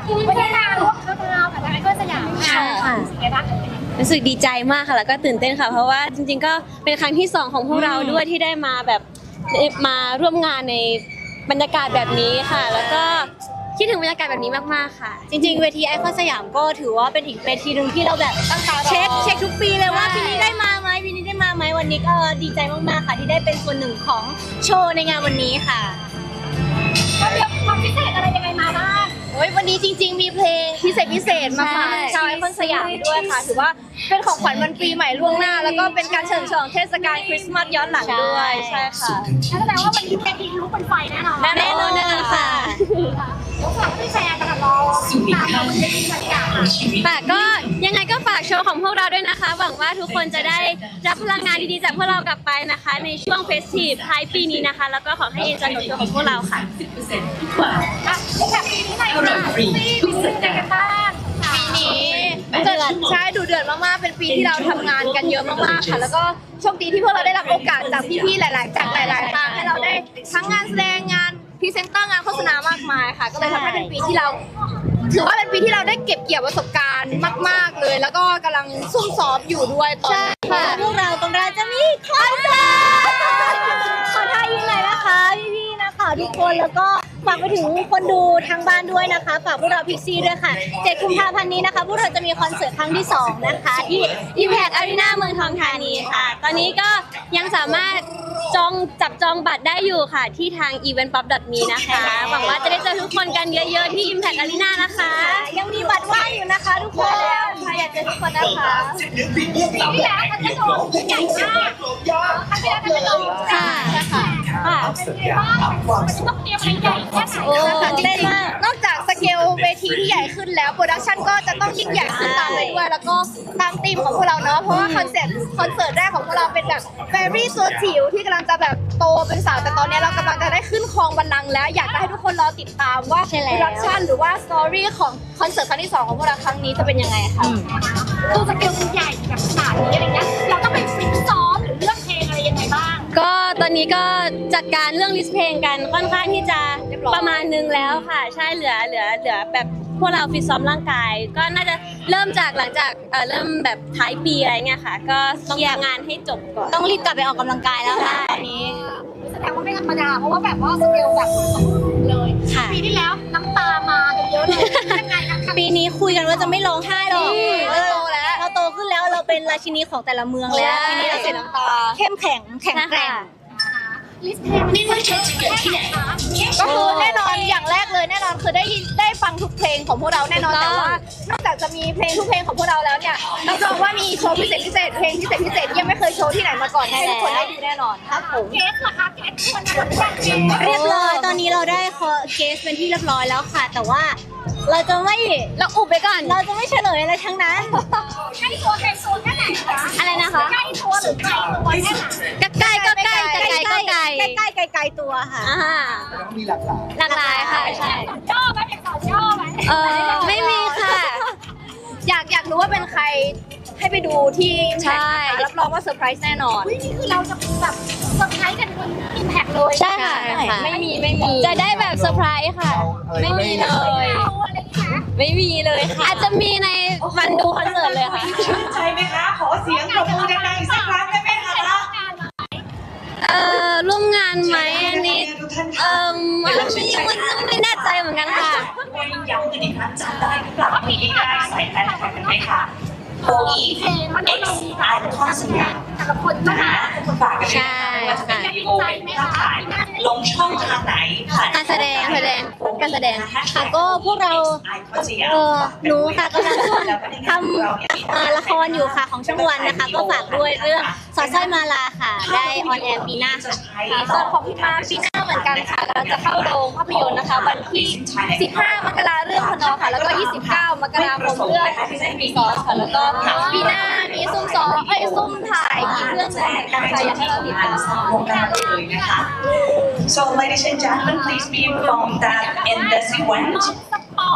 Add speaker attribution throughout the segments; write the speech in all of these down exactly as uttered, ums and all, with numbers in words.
Speaker 1: ไม่ได้มาร่วมเข้าดาวกับทางไอคอนสยามค่ะไงบ้าง
Speaker 2: รู้สึกดีใจมากค่ะแล้วก็ตื่นเต้นค่ะเพราะว่าจริงๆก็เป็นครั้งที่สองของพวกเราด้วยที่ได้มาแบบมาร่วมงานในบรรยากาศแบบนี้ค่ะแล้วก็คิดถึงบรรยากาศแบบนี้มากๆค่ะ
Speaker 3: จริงๆเวทีไอคอนสยามก็ถือว่าเป็นอีกเวทีหนึ่งที่เราแบบเช็คเช็คทุกปีเลยว่าปีนี้ได้มาไหมปีนี้ได้มาไหมวันนี้ก็ดีใจมากๆค่ะที่ได้เป็นส่วนหนึ่งของโชว์ในงานวันนี้ค่ะ
Speaker 1: ก็เรียกความพิเศษอะไรยังไงมาบ้าง
Speaker 3: โอ้ยวันนี้จริงๆมีเพลงพิเศษพิเศษมาฝากชาวไอคอนสยามด้วยค่ะถือว่าเป็นของขวัญวันปีใหม่ล่วงหน้าแล้วก็เป็นการเฉลิมฉลองเทศกาลคริสต์มาสย้อนหลังด้วยใช่ค่ะ
Speaker 1: แสดงว่าวันนี้เป็นทีลุกเป็นไฟแน่นอน
Speaker 3: แน่นอนค่ะ
Speaker 1: แล้วฝากให้แฟนกันรอตามเราเป็นบรรยากาศ
Speaker 2: ค่ะก็ยังไงก็ฝากโชว์ของพวกเราด้วยนะคะหวังว่าทุกคนจะได้รับพลังงานดีๆจากพวกเรากลับไปนะคะในช่วงเฟสทีฟท้ายปีนี้นะคะแล้วก็ขอให้เอ็นจอยกับโชว์ของพวกเราค่ะ
Speaker 1: แบบปีนี้ไหนค่ะปีนี้เป็นยังไงกันบ้าง
Speaker 3: ปีนี้เดือดใช่ดูเดือดมากๆเป็นปีที่เราทำงานกันเยอะมากๆค่ะแล้วก็โชคดีที่พวกเราได้รับโอกาสจากพี่ๆหลายๆจากหลายๆทางให้เราได้ทั้งงานแสดงงานพรีเซนเตอร์งานโฆษณามากมายค่ะก็เลยทำให้เป็นปีที่เราถือว่าเป็นปีที่เราได้เก็บเกี่ยวประสบการณ์มากๆเลยแล้วก็กำลังซุ่มซ้อมอยู่ด้วยตอนนี้ค่ะพวกเรากำลังจะมีคอนเสิร์ตขอท่ายิ่งเลยนะคะพี่ๆนะคะทุกคนแล้วก็ฝากไปถึงคนดูทางบ้านด้วยนะคะฝากพวกเราพิกซี่ด้วยค่ะเจ็ดกุมภาพันธ์นี้นะคะพวกเราจะมีคอนเสิร์ตครั้งที่สองนะคะที่ Impact Arena เมืองทองธานีค่ะตอนนี้ก็ยังสามารถจองจับจองบัตรได้อยู่ค่ะที่ทาง อีเวนต์ป๊อป ดอท มี นะคะหวังว่าจะได้เจอทุกคนกันเยอะๆที่ Impact Arena นะคะยังมีบัตรว่างอยู่นะคะทุกคนแล้วใครอยากเจอทุกคนนะคะ
Speaker 1: ปีที่แล้วมันจะโดนใหญ่มากครั้งที่แล้วมันจะโดน
Speaker 3: ค่ะค่ะ
Speaker 1: ค่ะเป็นไงบ้างมันจะต้องเตรียมอะไรใหญ่แค่ไหน
Speaker 3: โอ้เต้นมากนอกจากสเกลเวทีที่ใหญ่ขึ้นแล้วโปรดักชันก็จะต้องยิ่งใหญ่ขึ้นตามไปด้วยแล้วก็ตามธีมของพวกเราเนาะเพราะว่าคอนเซ็ปต์คอนเสิร์ตแรกของพวกเราเป็นแบบแฟรี่ตัวจิ๋วที่กำลังจะแบบโตเป็นสาวแต่ตอนนี้เรากำลังจะได้ขึ้นครองบัลลังก์แล้วอยากจะให้ทุกคนรอติดตามว่าโปรดักชันหรือว่าสตอรี่ของคอนเสิร์ตครั้งที่สองของพวกเราครั้งนี้จะเป็นยังไงค่ะ
Speaker 1: ตัวสเกลมันใหญ่แบบขนาดนี้อะไรเงี้ยเราต้องไปฟิตซ้อมหรือเลือกเพลงอะไรยังไงบ้าง
Speaker 2: ก็ตอนนี้ก็จัดการเรื่องลิสต์เพลงกันค่อนข้างที่จะประมาณนึงแล้วค่ะใช่เหลือเหลือเหลือแบบพวกเราฟิตซ้อมร่างกายก็น่าจะเริ่มจากหลังจากเอ่อเริ่มแบบท้ายปีอะไรเงี้ยค่ะก็เคลียร์งานให้จบก่อนต้องรีบกลับไปออกกำลังกายแล้วค่ะตอนนี้
Speaker 1: แสดงว่าไม่ธรรมดาเพราะว่าแบบว่าสเกลแบบเลยปีที่แล้วน้ำตามากันเยอะเลยยังไงนะคะ
Speaker 3: ปีนี้คุยกันว่าจะไม่ร้องไห้หรอกเราโตแล้วเราโตขึ้นแล้วเราเป็นราชินีของแต่ละเมืองแล้วปีนี้เราเสียน้ำตาเข้มแข็งแข็งแกร่ง
Speaker 1: ลิสต์เพลงไม่ว่าจะเกิดที่ไหน
Speaker 3: ก็คือแน่นอนอย่างแรกเลยแน่นอนคือได้ยินได้ฟังทุกเพลงของพวกเราแน่นอนแต่ว่านอกจากจะมีเพลงทุกเพลงของพวกเราแล้วเนี่ยรับรองว่ามีโชว์พิเศษพิเศษเพลงพิเศษพิเศษยังไม่เคยโชว์ที่ไหนมาก่อนให้ทุกคนได้ดูแน่นอนครับผม
Speaker 1: เกสเหรอคะเกสคนคน
Speaker 3: เรียบร้อยตอนนี้เราได้เกสเป็นที่เรียบร้อยแล้วค่ะแต่ว่าเราจะไม่เราอุบไปก่อนเราจะไม่เฉลยอะไรทั้งนั้น
Speaker 1: ใกล้ตัวใกล้โซนแค่ไหนคะ
Speaker 3: อะไรนะคะ
Speaker 1: ใกล้ตัวหรือไกลตัวแค่ไหน
Speaker 3: ใกล้ก็ใกล้ใกล้ก็ไกลใกล้ใกล้ไกลไกลตัวค่ะ
Speaker 4: มีหลากหลาย
Speaker 3: หลากหลายค่ะใช่
Speaker 1: ย่อไหมเป็นต่อย่อไหม
Speaker 3: เออไม่มีค่ะอยากอยากรู้ว่าเป็นใครให้ไปดูที่ใช่รับรองว่าเซอร์ไพรส์แน่นอน
Speaker 1: นี่คือเราจะแบบเซอร์ไพรส์กันบนอิมแพคเลย
Speaker 3: ใช่ค่ะไม่มีไม่มี
Speaker 2: จะได้แบบเซอร์ไพรส์ค่ะไม่มีเลยไม่มีเลยค่ะอาจจะมีในวันดูคอนเสิร์ตเลยค่ะ
Speaker 5: ใช่ไหมคะขอเสียงปรบมือดังๆอีกสักครั้งได้ไหมคะ
Speaker 2: เอ่อร่วมงานไหมอันนี้เอ่อไม่ไม่แน่ใจเหมือนกันค่ะ
Speaker 5: ย้ำกันอีกครั้งจำได้หรือเปล่าว่ามีได้ใส่แฟนคลับกันไหมคะโออีเอ็กซ์ไอคอนสยาม
Speaker 1: แต่ละคนนะคะ
Speaker 5: ฝากกันใช่ว่าจะเป็นวิดีโอเป็นภาพถ่ายลงช่องทางไหน
Speaker 3: การแสดงแสดงการแสดงค่ะก็พวกเราเออหนูค่ะกำลังทำละครอยู่ค่ะของช่องวันนะคะก็ฝากด้วยเรื่องสอดสร้อยมาลาค่ะได้ออนแอร์ปีหน้าค่ะส่วนของพี่มาปีหน้าเหมือนกันค่ะเราจะเข้าโรงภาพยนตร์นะคะวันที่สิบห้ามกราเรื่องพนอค่ะแล้วก็ยี่สิบเก้ามกราคมเรื่องมีซอสค่ะแล้วก็ปีหน้ามีซุ่มซ้อมเอ้ยซุ่มถ่ายอีกเรื่องนึงกันค่ะอยากให้เราติดตาม
Speaker 5: วงการเลยนะคะ So ladies and gentlemen please be informed that in this event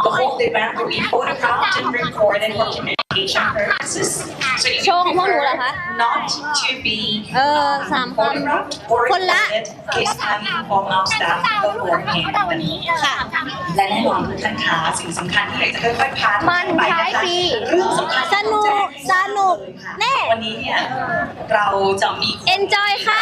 Speaker 5: The whole event will be photographed and recorded for communication purposes. So you
Speaker 2: โชว์ของพวกหนูเหรอคะ
Speaker 5: not to be
Speaker 2: เออสามคน
Speaker 5: photographed or
Speaker 2: คนละ
Speaker 5: recorded is having from our staff
Speaker 1: ดาวรู้
Speaker 5: beforehand.
Speaker 1: ว่าวันนี้ค่ะ
Speaker 5: และแน่นอนทุกท่านคะสิ่งสำคัญที่อยากจะค่อยๆพาทุก
Speaker 3: มั
Speaker 5: ท่าน นไป
Speaker 3: ท้าย
Speaker 5: นะคะ
Speaker 3: ปี
Speaker 5: เรื่องสำคัญ
Speaker 2: สนุกสนุกแน่
Speaker 5: วันนี้เนี่ยเราจะมี
Speaker 2: enjoy ค่ะ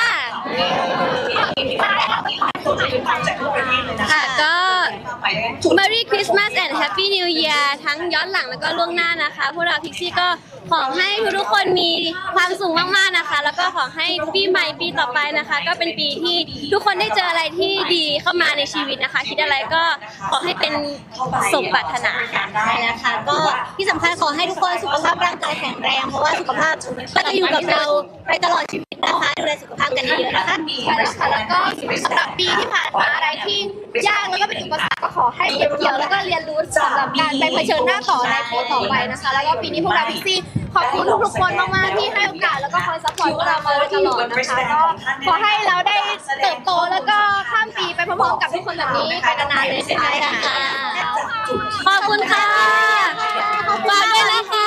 Speaker 5: จากทั่วประเทศเลยนะ
Speaker 2: ค่ะ ก็
Speaker 5: ไปได้จุด
Speaker 2: Merry Christmas and Happy New Year ทั้งย้อนหลังแล้วก็ล่วงหน้านะคะ พวกเราพิกซี่ก็ขอให้ทุกๆคนมีความสุขมากๆนะคะ แล้วก็ขอให้ปีใหม่ปีต่อไปนะคะ ก็เป็นปีที่ทุกคนได้เจออะไรที่ดีเข้ามาในชีวิตนะคะ คิดอะไรก็ขอให้เป็นสมปรารถนาค่ะ
Speaker 4: ได้นะคะก็ที่สำคัญขอให้ทุกคนสุขภาพร่างกายแข็งแรงเพราะว่าสุขภาพก็จะอยู่กับเราไปตลอดชีวิตนะคะดูแลสุขภาพกันเยอะๆนะคะ
Speaker 3: ใช่แล้วค่ะแล้วก็สำหรับปีที่ผ่านมาอะไรที่ยากแล้วก็เป็นอุปสรรคก็ขอให้เก็บเกี่ยวแล้วก็เรียนรู้สำหรับการไปเผชิญหน้าต่อในปีต่อไปนะคะ แล้วก็ปีนี้พวกเราพิกซี่ขอบคุณทุกๆคนมากๆที่ให้โอกาสแล้วก็คอยซัพพอร์ตพวกเรามาโดยตลอดนะคะก็ขอให้เราได้เติบโตแล้วก็ข้ามปีไปพร้อมๆกับทุกคนแบบนี้ไปนานๆเลยใช่ไหมคะ
Speaker 2: ขอบคุณค่ะฝากด้วยนะคะ